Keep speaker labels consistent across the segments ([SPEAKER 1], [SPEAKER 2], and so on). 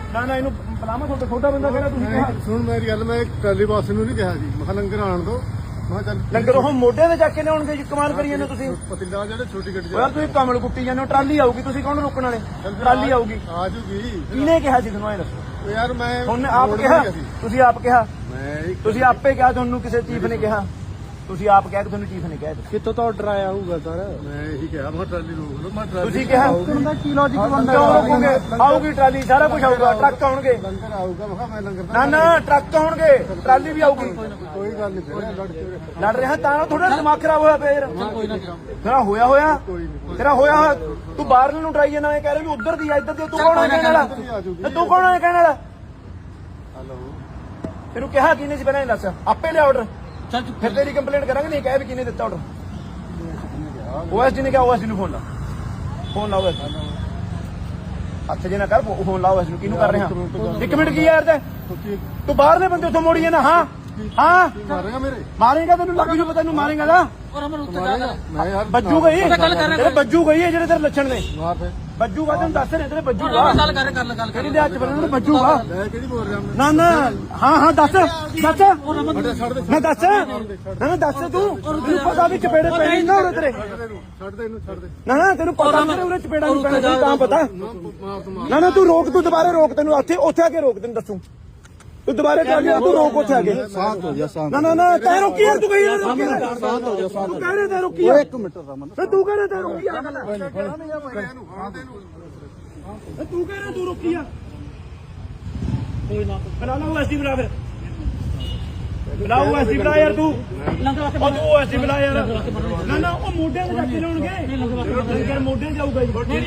[SPEAKER 1] ਨਾ ਨਾ ਇਹਨੂੰ ਬੁਲਾਵਾ ਤੁਹਾਡਾ ਛੋਟਾ ਬੰਦਾ ਕਿਹੜਾ ਤੁਸੀਂ ਕਿਹਾ
[SPEAKER 2] ਸੁਣ ਮੇਰੀ ਗੱਲ ਮੈਂ ਟਰਾਲੀ ਬਾਸ ਨੂੰ ਨਹੀਂ ਕਿਹਾ ਜੀ ਮੈਂ ਲੰਗਰ ਆਣ ਦੋ ਮੈਂ ਚੱਲ
[SPEAKER 1] ਲੰਗਰ ਉਹ ਮੋਢੇ ਤੇ ਚੱਕ ਕੇ ਲਿਆਉਣਗੇ ਜੀ ਕਮਾਲ ਕਰੀ ਜਾਂਦੇ ਤੁਸੀਂ
[SPEAKER 2] ਪਤਿੰਦਾ ਜਿਹੜੇ ਛੋਟੀ ਗੱਡੀ
[SPEAKER 1] ਯਾਰ ਤੁਸੀਂ ਕਮਲ ਕੁੱਟੀ ਜਾਂਦੇ ਹੋ ਟਰਾਲੀ ਆਊਗੀ ਤੁਸੀਂ ਕੌਣ ਰੋਕਣ ਵਾਲੇ ਟਰਾਲੀ ਆਊਗੀ
[SPEAKER 2] ਆ ਜੂਗੀ
[SPEAKER 1] ਕਿਹਨੇ ਕਿਹਾ ਸੀ ਤੁਹਾਨੂੰ ਇਹ ਦੱਸੋ
[SPEAKER 2] ਯਾਰ ਮੈਂ
[SPEAKER 1] ਉਹਨੇ ਆਪ ਕਿਹਾ ਤੁਸੀਂ ਆਪ ਕਿਹਾ
[SPEAKER 2] ਮੈਂ
[SPEAKER 1] ਤੁਸੀਂ ਆਪੇ ਕਿਹਾ ਤੁਹਾਨੂੰ ਕਿਸੇ ਚੀਫ ਨੇ ਕਿਹਾ ਤੁਸੀਂ ਆਪ ਕਹਿ ਕੇ ਤੁਹਾਨੂੰ ਚੀਫ ਨੇ ਕਿਹਾ
[SPEAKER 3] ਕਿੱਥੋਂ ਤੋਂ ਆਰਡਰ ਆਇਆ ਹੋਊਗਾ ਸਰ
[SPEAKER 2] ਮੈਂ ਇਹੀ ਕਿਹਾ ਮੈਂ ਟਰਾਲੀ ਰੋਕ ਲਓ ਮੈਂ ਟਰਾਲੀ
[SPEAKER 1] ਤੁਸੀਂ ਕਿਹਾ
[SPEAKER 3] ਉਹਦਾ ਕੀ ਲੌਜੀਕ ਬਣਦਾ
[SPEAKER 1] ਕਿਉਂ ਰੋਕੋਗੇ ਆਊਗੀ ਟਰਾਲੀ ਸਾਰਾ ਕੁਝ ਆਊਗਾ ਟਰੱਕ ਆਉਣਗੇ
[SPEAKER 2] ਲੰਗਰ ਆਊਗਾ ਮੈਂ ਕਿਹਾ ਮੈਂ ਲੰਗਰ
[SPEAKER 1] ਨਾ ਨਾ ਟਰੱਕ ਆਉਣਗੇ ਟਰਾਲੀ ਵੀ ਆਊਗੀ
[SPEAKER 2] ਕੋਈ ਗੱਲ ਨਹੀਂ ਫਿਰ ਲੜ ਕੇ
[SPEAKER 1] ਲੜ ਰਿਹਾ ਤਾਂ ਥੋੜਾ ਦਿਮਾਗ ਖਰਾਬ ਹੋਇਆ ਪਿਆ ਯਾਰ ਤੇਰਾ ਹੋਇਆ ਤੇਰਾ ਹੋਇਆ ਤੂੰ ਬਾਹਰ ਨੂੰ ਟਰਾਈ ਜਾਣਾ ਇਹ ਕਹਿ ਰਿਹਾ ਵੀ ਉਧਰ ਦੀ ਆ ਇੱਧਰ ਦੀ ਤੂੰ ਕੌਣ ਹੈ ਕਹਿਣ ਵਾਲਾ ਤੇ ਤੂੰ ਕੌਣ ਹੈ ਕਹਿਣ ਵਾਲਾ
[SPEAKER 2] ਹਲੋ
[SPEAKER 1] ਤੈਨੂੰ ਕਿਹਾ ਕਿਹਨੇ ਸੀ ਪਹਿਲਾਂ ਇਹ ਦੱਸ ਆਪੇ ਲਿਆ ਆਰਡਰ ਚੱਲ ਫਿਰ ਤੇਰੀ ਕੰਪਲੇਂਟ ਕਰਾਂਗੇ ਨਹੀਂ ਕਹਿ ਵੀ ਕਿਹਨੇ ਦਿੱਤਾ ਆਰਡਰ OSD ਨੇ ਕਿਹਾ OSD ਨੂੰ ਫੋਨ ਲਾਓ ਹੱਥ ਜੇ ਨਾ ਕਰ ਫੋਨ ਲਾਓ OSD ਨੂੰ ਕਿਹਨੂੰ ਕਰ ਰਿਹਾ ਇੱਕ ਮਿੰਟ ਕੀ ਯਾਰ ਤੂੰ ਬਾਹਰ ਦੇ ਬੰਦੇ ਉੱਥੋਂ ਮੋੜੀ ਜਾਣਾ ਹਾਂ
[SPEAKER 2] ਮਾਰੇਗਾ ਮੇਰੇ
[SPEAKER 1] ਮਾਰੇਗਾ ਤੈਨੂੰ ਲੱਗ ਜੂ ਪਤਾ ਤੈਨੂੰ ਮਾਰੇਗਾ ਨਾ
[SPEAKER 2] ਮੈਂ ਯਾਰ
[SPEAKER 1] ਬੱਜੂ ਗਈ ਤੇਰੇ ਬੱਜੂ ਗਈ ਹੈ ਜਿਹੜੇ ਤੇਰੇ ਲੱਛਣ ਨੇ
[SPEAKER 2] ਮਾਰ ਫੇ
[SPEAKER 1] ਬੱਜੂਗਾ ਤੈਨੂੰ ਦੱਸ ਰਹੇ ਤੇਰੇ ਬੱਜੂਗਾ
[SPEAKER 3] ਗੱਲ ਕਰ
[SPEAKER 1] ਕਿਹੜੀ ਦੇ ਹੱਥ ਬੰਨਣ ਨੂੰ ਬੱਜੂਗਾ
[SPEAKER 2] ਮੈਂ ਕਿਹੜੀ ਬੋਲ ਰਿਹਾ
[SPEAKER 1] ਨਾ ਨਾ ਹਾਂ ਦੱਸ
[SPEAKER 2] ਮੈਂ ਛੱਡ ਦੇ
[SPEAKER 1] ਨਾ ਦੱਸ ਨਾ ਦੱਸ ਤੂੰ ਤੈਨੂੰ ਪਤਾ ਵੀ ਚਪੇੜੇ ਪੈਣੇ ਨਾ ਉਰੇ ਤੇਰੇ
[SPEAKER 2] ਛੱਡ ਦੇ ਇਹਨੂੰ ਛੱਡ ਦੇ
[SPEAKER 1] ਨਾ ਤੈਨੂੰ ਪਤਾ ਤੇਰੇ ਉਰੇ ਚਪੇੜਾ ਨਹੀਂ ਪੈਣਾ ਤੈਨੂੰ ਤਾਂ ਪਤਾ
[SPEAKER 2] ਮਾਰ ਤੂੰ
[SPEAKER 1] ਨਾ ਤੂੰ ਰੋਕ ਤੂੰ ਦੁਬਾਰੇ ਰੋਕ ਤੈਨੂੰ ਉੱਥੇ ਆ ਕੇ ਰੋਕ ਤੈਨੂੰ ਦੱਸੂ ਤੂੰ ਦੁਬਾਰੇ ਚੱਲ ਜਾ ਤੂੰ ਰੋਕ ਉੱਥੇ ਆ ਕੇ
[SPEAKER 2] ਸਾਥ ਹੋ ਜਾ ਸਾਥ
[SPEAKER 1] ਨਾ ਤੈ ਰੋਕੀ ਯਾਰ ਤੂੰ ਕਹੀ ਰੋਕੀ
[SPEAKER 2] ਸਾਥ ਹੋ ਜਾ ਸਾਥ
[SPEAKER 1] ਤੂੰ ਕਹਿ ਰਿਹਾ ਤੈ ਰੋਕੀ ਯਾਰ
[SPEAKER 2] ਇੱਕ ਮਿੰਟ ਰਮਨ
[SPEAKER 1] ਤੇ ਤੂੰ ਕਹਿ ਰਿਹਾ ਤੈ ਰੋਕੀ ਆ ਗੱਲ
[SPEAKER 2] ਇਹਨੂੰ ਹਾਂ ਦੇ ਇਹਨੂੰ
[SPEAKER 1] ਤੂੰ ਕਹਿ ਰਿਹਾ ਤੂੰ ਰੋਕੀ ਆ ਕੋਈ ਨਾ ਬੁਲਾ ਲਾ OSD ਬੁਲਾ ਫਿਰ ਬੁਲਾ OSD ਬੁਲਾ ਯਾਰ ਤੂੰ ਉਹ ਤੂੰ OSD ਬੁਲਾ ਯਾਰ ਨਾ ਉਹ ਮੋਢਿਆਂ ਤੇ ਚੱਕ ਲਿਆਉਣਗੇ ਲੰਗਰ ਮੋਢਿਆਂ ਜਾਊਗਾ ਜੀ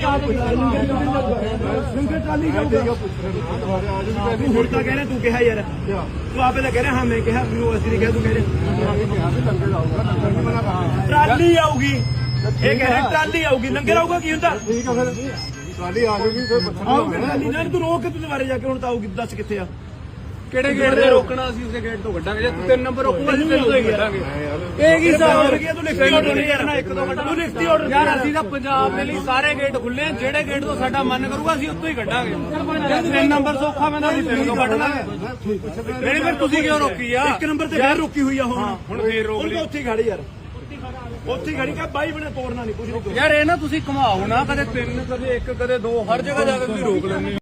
[SPEAKER 1] ਲੰਗਰ ਟਰਾਲੀ ਜਾਊਗਾ ਤੂੰ ਹੁਣ ਤਾਂ ਕਹਿ ਰਿਹਾ ਤੂੰ ਕਿਹਾ ਯਾਰ ਤੂੰ ਆਪੇ ਤਾਂ ਕਹਿ ਰਿਹਾ ਹਾਂ ਮੈਂ ਕਿਹਾ ਮੈਨੂੰ OSD ਨੇ ਕਿਹਾ ਤੂੰ ਕਹਿ ਰਿਹਾ ਟਰਾਲੀ ਆਊਗੀ ਇਹ ਕਹਿ ਰਿਹਾ ਟਰਾਲੀ ਆਊਗੀ ਲੰਗਰ ਆਊਗਾ ਕੀ ਹੁੰਦਾ
[SPEAKER 2] ਠੀਕ ਆ ਫਿਰ ਟਰਾਲੀ ਆ ਜੂਗੀ ਫਿਰ
[SPEAKER 1] ਟਰਾਲੀ ਨਾਲ ਤੂੰ ਰੋਕ ਕੇ ਤੂੰ ਦੁਬਾਰੇ ਜਾ ਕੇ ਹੁਣ ਤਾਂ ਆਊਗੀ ਦੱਸ ਕਿੱਥੇ ਆ
[SPEAKER 3] ਕਿਹੜੇ ਗੇਟ ਤੇ ਰੋਕਣਾ ਅਸੀਂ ਉਸੇ ਗੇਟ ਤੋਂ ਕੱਢਾਂਗੇ ਜੇ ਤੂੰ 3 ਨੰਬਰ ਰੋਕੂਗਾ ਅਸੀਂ 3 ਤੋਂ ਹੀ ਕੱਢਾਂਗੇ
[SPEAKER 1] ਇਹ ਕੀ ਹਿਸਾਬ ਹੋ ਗਿਆ ਤੂੰ ਲਿਖਤੀ ਆਰਡਰ ਨਹੀਂ ਕਰਨਾ ਇੱਕ ਦੋ ਘੰਟਾ ਤੂੰ ਲਿਖਤੀ ਆਰਡਰ
[SPEAKER 3] ਯਾਰ ਅਸੀਂ ਤਾਂ ਪੰਜਾਬ ਦੇ ਲਈ ਸਾਰੇ ਗੇਟ ਖੁੱਲੇ ਜਿਹੜੇ ਗੇਟ ਤੋਂ ਸਾਡਾ ਮਨ ਕਰੂਗਾ ਅਸੀਂ ਉੱਥੋਂ ਹੀ ਕੱਢਾਂਗੇ 3 ਨੰਬਰ ਸੌਖਾ ਮੈਂ ਤਾਂ ਅਸੀਂ 3 ਤੋਂ ਕੱਢ ਲਾਂਗੇ ਨਹੀਂ ਫਿਰ ਤੁਸੀਂ ਕਿਉਂ ਰੋਕੀ ਆ
[SPEAKER 1] ਇੱਕ ਨੰਬਰ ਤੇ ਫੇਰ ਰੋਕੀ ਹੋਈ ਆ
[SPEAKER 3] ਹੁਣ ਫੇਰ ਰੋਕ ਲਈ
[SPEAKER 1] ਉੱਥੇ ਖੜੀ ਯਾਰ ਉੱਥੇ ਖੜੀ ਕਾ ਬਾਈ ਬਣੇ ਤੋੜਨਾ ਨਹੀਂ ਕੁਝ ਨਹੀਂ
[SPEAKER 3] ਯਾਰ ਇਹ ਨਾ ਤੁਸੀਂ ਘੁਮਾਓ ਨਾ ਕਦੇ 3 ਕਦੇ 1 ਕਦੇ 2 ਹਰ ਜਗ੍ਹਾ ਜਾ ਕੇ ਤੁਸੀਂ ਰੋਕ ਲੈਂਦੇ